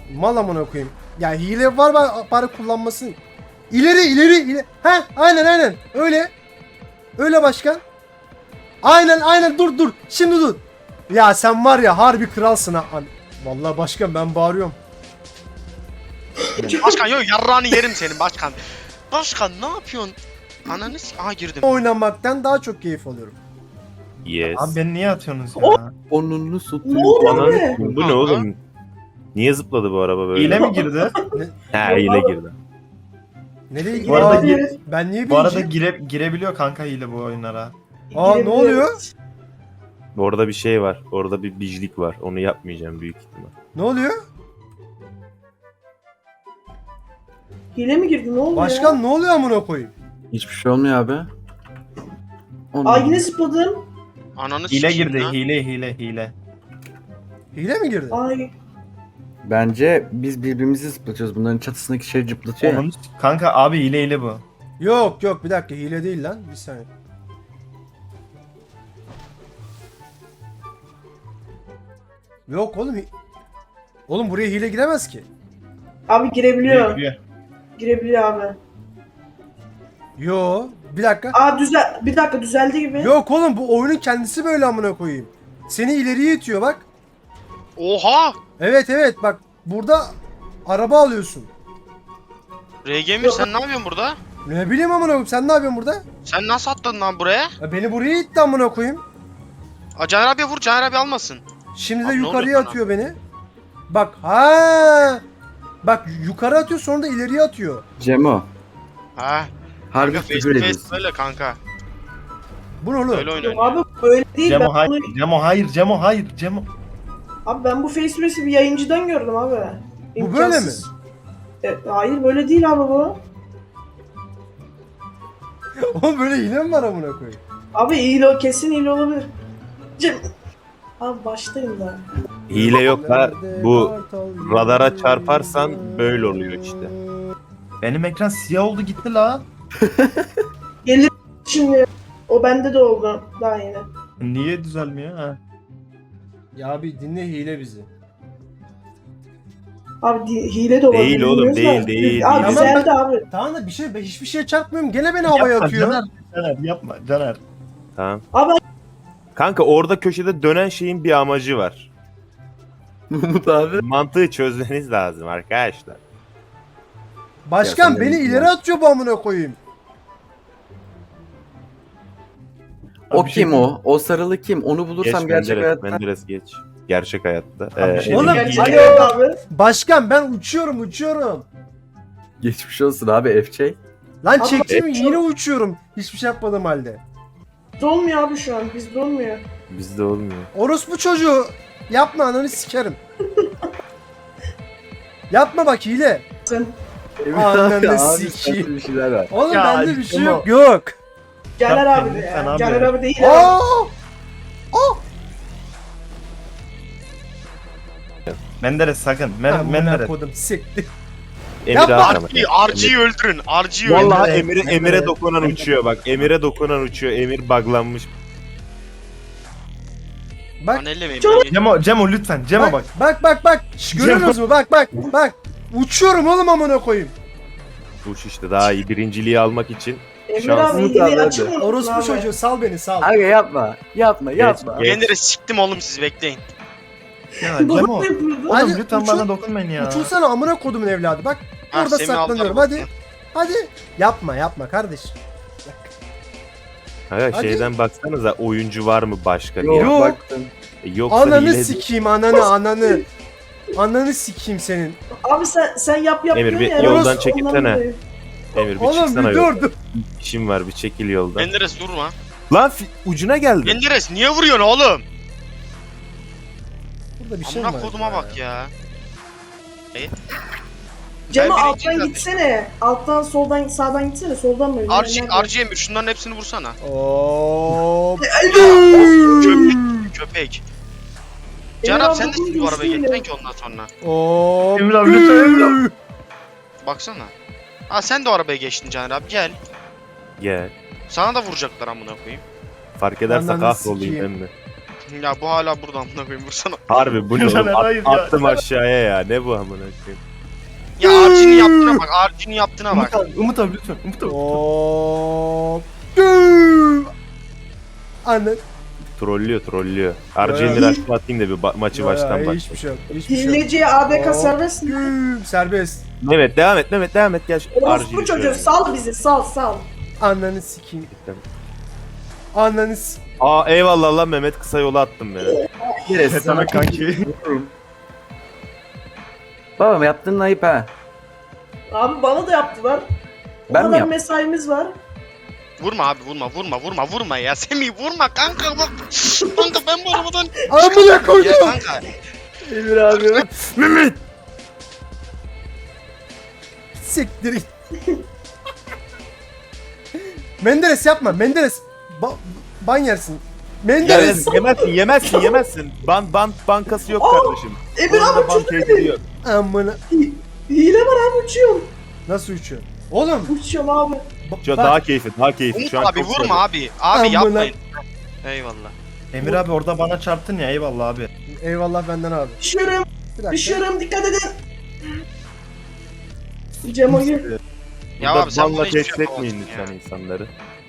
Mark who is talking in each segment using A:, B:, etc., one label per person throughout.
A: Mal amına koyayım. Ya hile var bari kullanmasın. İleri. He aynen. Öyle. Öyle başkan. Aynen dur. Şimdi dur. Ya sen var ya harbi kralsın ha. Vallahi başkan ben bağırıyorum.
B: Başkan yok yarrağını yerim senin başkan. Başkan ne yapıyorsun? Ananı aha girdim.
A: Oynamaktan daha çok keyif alıyorum.
C: Yes.
D: Abi beni niye atıyorsunuz ya?
E: Onunu
F: Ne
E: satıyor.
F: oldu
C: Ananı
F: abi?
C: s**eyim, bu ne oğlum? Niye zıpladı bu araba böyle?
D: Hile mi girdi?
C: Ha hile girdi.
A: Nereye
D: Bu
A: gidiyor?
D: arada,
A: Ben niye
D: bu arada
A: bileceğim?
D: girebiliyor kanka hile bu oyunlara.
A: Aa ne oluyor?
C: Orada bir şey var. Orada bir bijlik var. Onu yapmayacağım büyük ihtimal.
A: Ne oluyor?
F: Hile mi girdi? Ne oldu
A: Başkan
F: ya?
A: ne oluyor amına koyayım?
E: Hiçbir şey olmuyor abi.
F: Aa yine zıpladım.
B: Ananı
D: Hile
B: sikeyim
D: girdi.
B: lan.
D: Hile.
A: Hile mi girdi?
F: Ay.
E: Bence biz birbirimizi zıplatıyoruz. Bunların çatısındaki şey cıplatıyor ya.
D: Kanka abi hile bu.
A: Yok bir dakika hile değil lan. Bir saniye. Yok oğlum. Oğlum buraya hile giremez ki.
F: Abi girebiliyor.
D: Giriyor.
F: Girebiliyor abi.
A: Yo bir dakika.
F: Aa bir dakika düzeldi gibi.
A: Yok oğlum bu oyunun kendisi böyle amına koyayım. Seni ileriye itiyor bak.
B: Oha!
A: Evet bak burada araba alıyorsun.
B: RGM sen ne yapıyorsun burada?
A: Ne bileyim amına koyayım sen ne yapıyorsun burada?
B: Sen nasıl attın lan buraya?
A: Ya beni buraya itti amına koyayım.
B: Caner abiye vur, Caner abi almasın.
A: Şimdi de
B: Abi ne
A: yukarıya
B: oluyor sana?
A: atıyor beni. Bak ha. Bak yukarı atıyor sonra da ileriye atıyor.
E: Cemo.
B: Ha.
E: Harbi
B: Kanka face
E: küfür
B: to face
E: ediyorsun.
B: böyle kanka.
A: Bu ne oğlum?
B: Öyle
F: Yok
B: oynuyor.
F: abi böyle değil.
D: Cemo
F: Ben
D: hayır.
F: bunu...
D: Cemo hayır. Cemo.
F: Abi ben bu face to face'i bir yayıncıdan gördüm abi.
A: Bu böyle mi?
F: Hayır böyle değil abi bu.
A: Oğlum böyle hile mi var amına koyayım?
F: Abi iyi kesin iyi olabilir. Abi baştayım da.
C: Hile yok ha. Bu radara çarparsan böyle oluyor işte.
D: Benim ekran siyah oldu gitti la.
F: Gelir şimdi. O bende de oldu daha yeni.
D: Niye düzelmiyor ha?
A: Ya bir dinle hile bizi.
F: Abi hile de olabilir.
C: Değil oğlum,
F: bilmiyoruz da.
C: değil.
F: Abi
A: Tamam,
F: güzeldi abi.
A: Tamam da ben hiçbir şeye çarpmıyorum. Gene beni havaya
D: Yapma,
A: atıyor.
D: Caner yapma Caner.
C: Tamam.
F: Abi
C: Kanka orada köşede dönen şeyin bir amacı var.
E: Umut abi.
C: Mantığı çözmeniz lazım arkadaşlar.
A: Başkan
E: Ya sen
A: beni
E: de-
A: ileri atıyor bu amına koyayım.
E: O
D: Abi bir şey
E: kim o? O sarılı kim? Onu bulursam
C: Geç
E: gerçek
C: Menderes,
E: hayatta.
C: Menderes geç. Gerçek hayatta.
D: Abi bir şey
A: Oğlum,
D: diyeyim.
F: gerçekten abi.
A: Başkan ben uçuyorum.
E: Geçmiş olsun abi FC.
A: Lan
F: Abi,
A: çektim
F: evet.
A: yine uçuyorum. Hiçbir şey yapmadığım halde.
F: Dolmuyor abi şu an. Bizde olmuyor.
C: Bizde olmuyor.
A: Orospu çocuğu. Yapma ananı sikerim. Yapma bak hile.
F: Sen
A: Ananı
E: Abi,
A: sikeyim.
E: sende bir şeyler var.
A: Oğlum
D: Ya,
A: bende bir şey
D: Cemo.
A: yok.
F: Caner
D: Yapma,
F: abi de
D: lütfen
F: ya.
D: abi.
F: Caner abi değil abi.
A: Aa!
D: Menderes sakın.
A: Amına
D: Menderes.
A: kodum siktir.
C: Emir
A: Yapma.
C: Hakan.
B: RG'yi öldürün. RG'yi öldürün.
C: Vallahi
D: Emre-
C: Emir'e dokunan uçuyor bak. Emir'e dokunan uçuyor. Emir buglanmış.
A: Bak.
B: Lan ellemeyin.
D: Cemo lütfen. Cemo bak.
A: Bak. Şş, görüyorsunuz mu? Bak. Uçuyorum oğlum amına koyayım.
C: Uç işte daha iyi birinciliği almak için.
F: Emre
C: Şans.
F: abi
E: Umut
F: hileyi
E: abi,
F: açık mı?
A: Orospu çocuğu sal beni sal.
E: Aga yapma. Yapma.
C: Geç.
B: Menderes siktim oğlum siz bekleyin.
D: Ya Cemo.
F: Doğru
D: Oğlum
F: yapıyordu.
A: Hadi,
D: lütfen
A: uçun.
D: bana dokunmayın ya.
A: Uçulsana amına kodumun evladı bak.
B: Ha,
A: Orada
B: Semih
A: saklanıyorum
B: aldılar
A: hadi. Yapma kardeşim.
C: Hayır
A: Hadi.
C: şeyden baksanıza oyuncu var mı başka diye.
E: Yok
A: Yok.
E: baktım.
C: Yoksa
A: Ananı
C: hile-
A: sikeyim ananı. Ananı sikeyim senin.
F: Abi sen yap
C: Emir,
F: diyorsun
C: bir
F: ya.
C: yoldan
F: Orası
C: çekilsene.
F: ondan dolayı.
C: Emir bir
A: Oğlum
C: çıksana
A: bir
C: yoldan.
A: dur.
C: İşim var bir çekil yoldan.
B: Menderes durma.
C: Lan ucuna geldi.
B: Menderes niye vuruyorsun oğlum?
A: Burada bir şey var.
B: Amına koduma bak ya.
F: Cemo
B: Ben
F: alttan
B: birinciyim
F: gitsene. Alttan soldan sağdan gitsene. Soldan mı?
B: RG Emir şunların hepsini vursana.
A: Oo.
B: Köpek. Caner abi sen de şimdi bu arabaya geçeceksin ki ondan sonra.
A: Oo.
D: Emre abi lütfen Emre abi.
B: Baksana. Ha sen de o arabaya geçtin Caner abi gel.
C: Gel.
B: Sana da vuracaklar amına koyayım.
C: Fark ederse
A: Ananı
C: kahrolayım
A: sikeyim.
C: emmi.
B: Ya bu hala burada amına koyayım vursana.
C: Harbi bu ne oğlum?
D: Caner, hayır ya.
C: Attım aşağıya ya. Ne bu amına koyayım?
B: Ya Arjin'in yaptığına bak. Arjin'in yaptığına bak.
D: Umut abi lütfen. Umut abi.
A: Hop. Güm. Anne.
C: Trollüyor. Arjen'leri
A: Ya.
C: aşağı atayım da bir maçı
A: Ya,
C: baştan
A: hiçbir
C: başlayalım.
A: şey yok. Hiçbir şey yok.
F: Hileciye ADK
A: Hop.
F: serbest mi?
A: Güm. Serbest.
C: Mehmet devam et. Gel.
F: Orospu çocuğu sal bizi sal.
A: Ananı sikeyim. Ananı s-
C: Aa eyvallah lan Mehmet, kısa yola attım beni.
E: Neresi
D: Ne demek kanki?
E: Babam yaptığın ayıp ha.
F: Abi bana da yaptılar. O
E: Ben mi
F: kadar
E: yaptım?
F: mesaimiz var.
B: Vurma abi vurma ya. Semih vurma kanka bak. Kanka ben bu arabadan...
A: Amına
B: Ya
A: koydum.
B: kanka.
A: Emir abi. Mehmet. Siktir git. Menderes yapma. Menderes. Ban yersin. Menderes.
C: Yemezsin. Bankası yok kardeşim.
F: Emir abi
C: Oyunda ban
F: uçuyor.
C: tehdidi yok.
A: Amına.
F: Hile var abi uçuyorum.
A: Nasıl uçuyor? Oğlum.
F: Uçuyorum abi.
C: Şu
A: bak-
C: daha keyifli.
B: Umut
C: Şu an
B: abi
C: çok
B: vurma
C: sarıyor.
B: abi. Abi
A: Amına-
B: yapmayın. Eyvallah.
D: Emir abi orada bana çarptın ya, eyvallah abi.
A: Eyvallah benden abi.
F: Düşüyorum.
A: Bir dakika.
F: Düşüyorum dikkat edin. Cemo'yu.
B: Ya
C: Burada
B: abi sen
C: banla
B: buna hiçbir
C: tehdit
B: şey
C: etmeyin
B: yapamazsın
C: lütfen
B: ya.
C: insanları.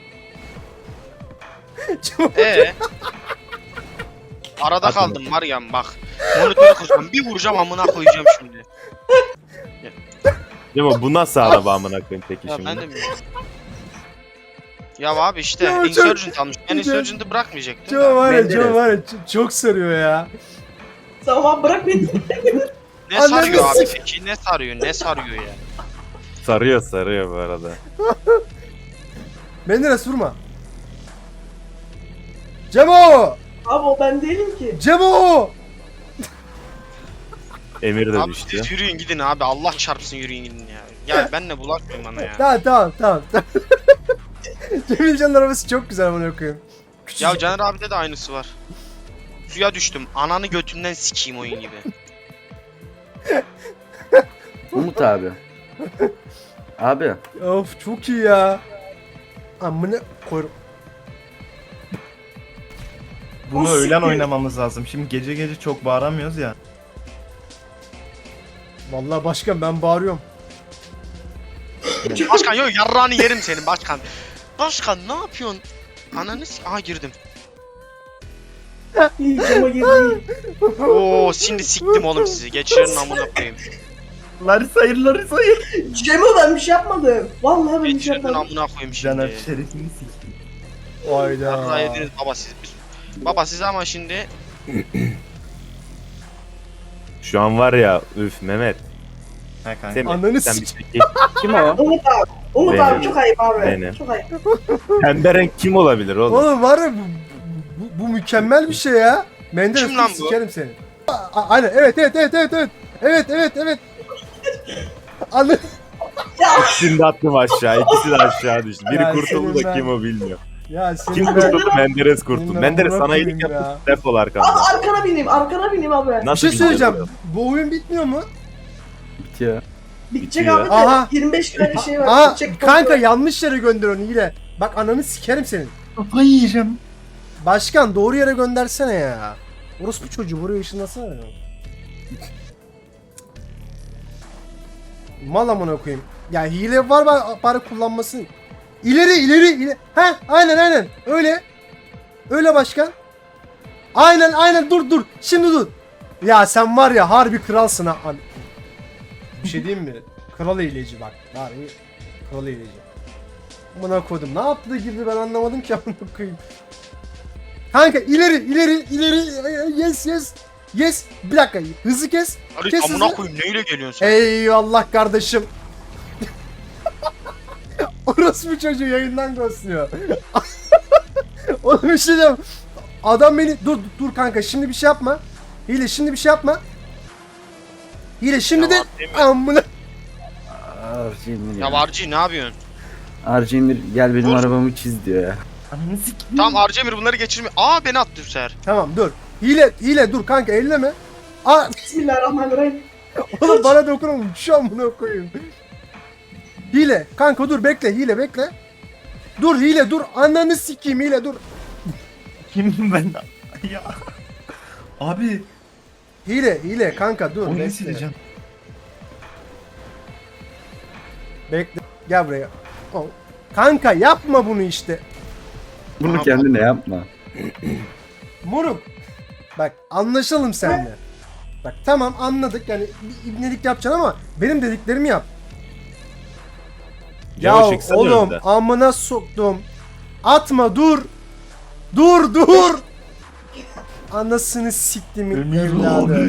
B: Arada
C: Atın.
B: kaldım var ya bak. Monitörü koyacağım. Bir vuracağım amına koyacağım şimdi.
C: Ama bu nasıl araba amına koyayım peki
B: Ya
C: şimdi?
B: ben de bilmiyorum. Ya abi işte
A: Ya çok-
B: Insurgent almış. Ben Insurgent'ı bırakmayacaktım
A: Joe
B: da.
A: var ya,
E: Menderes.
A: Joe var ya, çok sarıyor ya.
F: Tamam bırak beni.
B: Ne
A: Ananı
B: sarıyor abi
A: sik-
B: peki? Ne sarıyor ya?
C: Sarıyor bu arada.
A: Menderes vurma. Cemo!
F: Abi o ben değilim ki.
A: Cemo!
C: Emir de
B: Abi
C: düştü.
B: siz yürüyün gidin abi. Allah çarpsın yürüyün gidin ya. Ya benle bulaşmayın bana ya.
A: Tamam. Cemilcan'ın arabası çok güzel, bunu koyayım.
B: Ya Caner abide de aynısı var. Suya düştüm. Ananı götünden sikeyim oyun gibi.
E: Umut abi. Abi.
A: Of çok iyi ya. Amına koyarım.
D: Bunu
F: O
D: öğlen
F: siktir.
D: oynamamız lazım. Şimdi gece çok bağıramıyoruz ya.
A: Vallahi başkan ben bağırıyorum.
B: Başkan yok yarrağını yerim senin başkan. Başkan ne yapıyorsun? Ananı Aha girdim.
F: İyi Cemo girdi.
B: Oo şimdi siktim oğlum sizi. Geçirin amına koyayım.
D: Larisa.
F: Cemo ben bir şey yapmadım. Vallahi ben bir şey
B: Geçirin
F: yapmadım.
B: amına koyayım
D: Caner
B: şimdi.
D: şerefini sikeyim.
B: Yarrağı
A: Hayda.
B: yediniz baba siz. Baba siz ama şimdi
C: Şu an var ya üf Mehmet.
D: He kanka.
C: Semih,
A: Ananı
C: sen
A: sik-
C: bir çekil.
E: Kim o?
F: Umut abi. Umut
C: Benim.
F: abi çok ayıp abi.
C: Benim.
F: Çok ayıp.
C: Pembe renk kim olabilir oğlum?
A: Oğlum var ya, bu mükemmel bir şey ya. Menderes
B: Kim lan bu?
A: sikerim seni. Aynen, evet. Evet. Anı.
C: İkisini de attım aşağı. İkisi de aşağı düştü. Biri
A: Ya
C: kurtuldu
A: senin
C: da
A: ben-
C: kim o bilmiyor.
A: Ya senin
C: Kim
A: ben-
C: kurtuldu? Menderes kurtuldu.
A: Senin
C: Menderes
A: amına
C: sana iyilik
A: koyayım ya.
C: yaptı. Defol arkamda.
F: Aa, arkana bineyim abi.
A: Bir
C: Nasıl
A: şey söyleyeceğim.
C: gidiyor?
A: Bu oyun bitmiyor mu?
E: Bitiyor.
F: Bitecek
C: Bitiyor.
F: abi de
A: Aha.
F: 25 tane şey var.
A: Aa
F: Bitecek
A: kanka,
F: kontrol.
A: yanlış yere gönderiyorsun hile. Bak ananı sikerim senin.
D: Kafayı yiyeceğim.
A: Başkan doğru yere göndersene ya. Orospu çocuğu buraya ışınlasana ya. Mal amına koyayım. Ya hile var bari kullanmasın. İleri. Heh aynen. Öyle başkan. Aynen dur. Şimdi dur. Ya sen var ya harbi kralsın ha. Bir şey diyeyim mi? Kral hileci bak. Harbi kral hileci. Amına koydum. Ne yaptı da girdi ben anlamadım ki amına koyayım. Kanka ileri. Yes. Bir dakika. Hızlı kes.
B: Ali
A: Kes
B: amına
A: hızlı.
B: koyayım neyle geliyorsun sen?
A: Eyvallah kardeşim. Orospu çocuğu yayından ghostluyor. Oğlum bir şey diyeyim. Adam beni... Dur kanka şimdi bir şey yapma. Hile şimdi bir şey yapma. Hile şimdi de... Amına...
E: Arjemir
B: Ya
E: ya.
B: Varci ne yapıyorsun?
E: Arjemir gel benim
B: Vur.
E: arabamı çiz diyor ya.
D: Ananı sikeyim.
B: Tamam Arcemir bunları geçirme. Aa beni attı bu sefer.
A: Tamam dur. Hile dur kanka elleme. Aa
F: Bismillahirrahmanirrahim.
A: oğlum bana dokunma. Şu an bunu koyayım. Hile. Kanka dur bekle bekle. Dur hile dur. Ananı sikeyim hile dur.
D: Kimim ben? Ya. Abi
A: Hile kanka dur
D: oyunu
A: bekle.
D: sileceğim.
A: Bekle. Gel buraya. Oh. Kanka yapma bunu işte.
E: Bunu kendine yapma.
A: Moruk. Bak anlaşalım seninle. Bak tamam anladık yani bir ibnelik yapacaksın ama benim dediklerimi yap. Ya
C: Yavaş çıksana
A: oğlum
C: önümden.
A: amına soktum. Atma dur. Dur. Anasını siktimin evladı.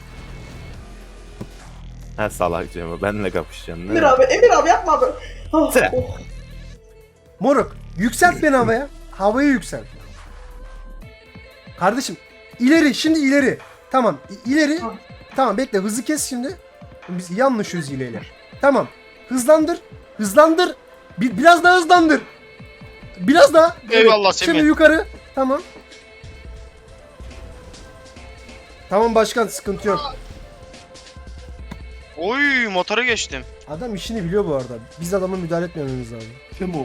C: Ha salak Cemo benle kapışacaksın.
F: Emir abi yapma abi. Ah,
C: Sen.
F: oh.
A: Moruk yükselt beni havaya. Havaya yükselt. Kardeşim ileri şimdi ileri. Tamam ileri.
F: Tamam.
A: Tamam bekle hızı kes şimdi. Biz iyi anlaşıyoruz hileyle. Tamam. Hızlandır. Hızlandır. Biraz daha hızlandır. Biraz daha.
B: Eyvallah
A: Şimdi
B: Semih.
A: yukarı. Tamam. Tamam başkan sıkıntı yok.
B: Oy motora geçtim.
A: Adam işini biliyor bu arada. Biz adama müdahale etmememiz lazım.
D: Kim o?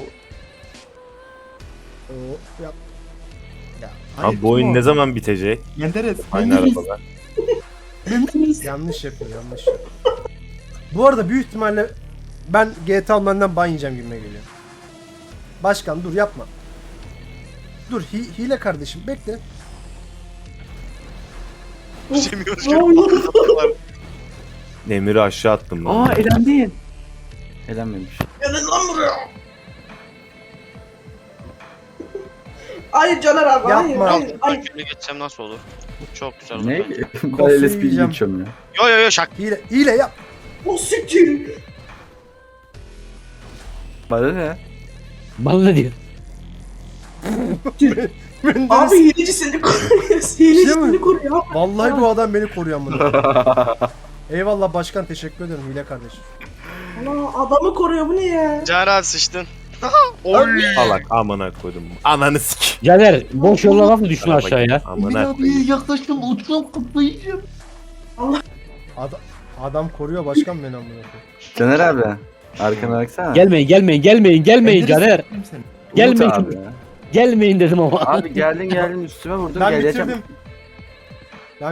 A: Oo, yap. Ya,
C: Abi bu oyun ne zaman bitecek?
D: Menderes.
C: Aynı arabalar.
D: Menderes.
A: yanlış yapıyor yanlış yapıyor. Bu arada büyük ihtimalle ben GTA Online'dan ban yiyeceğim gibime geliyor. Başkan dur yapma. Dur hile kardeşim bekle.
B: Semih
F: Ne
B: Özgür.
F: oldu?
C: Demir'i aşağı attım ben.
E: Aa elendin. Elenmemiş.
F: Gelin lan buraya. Hayır Caner abi hayır.
A: Yapma.
F: Hayır,
B: Altından
F: hayır.
B: şöyle geçsem nasıl olur? Çok güzel olur.
E: Ne?
B: bence.
E: Ben LSP'yi
A: yiyeceğim.
E: geçiyorum ya.
B: Yo şak.
A: Hile yap.
F: O siktir.
E: Bana ne?
G: Bana ne diyor?
F: Abi hileci seni koruyor. Hileci
A: Değil mi?
F: seni koruyor.
A: Vallahi bu adam beni koruyor amına. Eyvallah başkan teşekkür ederim hile kardeşim.
F: Allah adamı koruyor bu ne ya?
B: Caner abi sıçtın. Oy.
C: Salak amına koydum. Ananı sik.
G: Caner boş yolla nasıl düştün aşağıya?
C: Amına
D: Emir
C: koyayım.
D: abi yaklaştım uçsam kutlayacağım.
A: Adam koruyor başkan beni amına koyayım.
E: Caner abi. Arkana baksana.
G: Gelmeyin
D: Menderes
G: Caner.
D: s**eyim seni.
E: Umut
G: Gelmeyin.
E: abi.
G: Gelmeyin dedim ama.
E: Abi geldin üstüme vurdun
A: Ben
E: geleceğim.
A: bitirdim.